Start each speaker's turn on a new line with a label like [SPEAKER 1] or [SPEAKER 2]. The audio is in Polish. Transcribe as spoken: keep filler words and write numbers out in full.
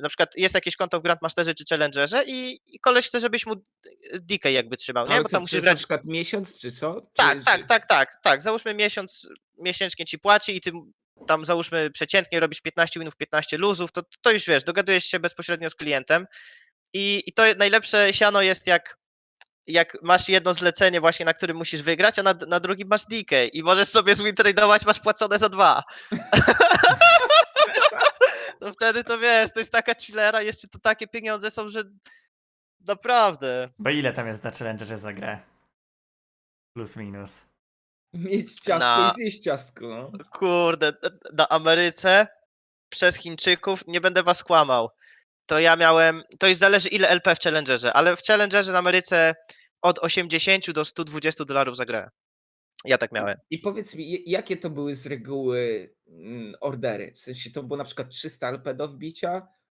[SPEAKER 1] na przykład jest jakieś konto w Grandmasterze czy Challengerze i i koleś chce, żebyś mu D K jakby trzymał, nie?
[SPEAKER 2] Ale
[SPEAKER 1] Bo
[SPEAKER 2] co,
[SPEAKER 1] tam musisz
[SPEAKER 2] przez na
[SPEAKER 1] brać
[SPEAKER 2] przykład miesiąc czy co?
[SPEAKER 1] Tak,
[SPEAKER 2] Czy
[SPEAKER 1] tak,
[SPEAKER 2] czy
[SPEAKER 1] tak, tak, tak. Załóżmy miesiąc miesięcznie ci płaci i ty tam załóżmy przeciętnie robisz piętnaście winów, piętnaście luzów, to to już wiesz, dogadujesz się bezpośrednio z klientem i i to najlepsze siano jest jak jak masz jedno zlecenie właśnie, na którym musisz wygrać, a na na drugim masz D K i możesz sobie zwintradeować, masz płacone za dwa. To wtedy to wiesz, to jest taka chillera, jeszcze to takie pieniądze są, że naprawdę.
[SPEAKER 3] Bo ile tam jest na Challengerze za grę? Plus minus.
[SPEAKER 2] Mieć ciastko i
[SPEAKER 1] Na
[SPEAKER 2] zjeść ciastko, no.
[SPEAKER 1] kurde, d na Ameryce przez Chińczyków, nie będę was kłamał, to ja miałem to już zależy ile L P w Challengerze, ale w Challengerze na Ameryce od osiemdziesięciu do stu dwudziestu dolarów za grę. Ja tak miałem.
[SPEAKER 2] I powiedz mi, j jakie to były z reguły, mm, ordery? W sensie to było na przykład trzysta L P do wbicia?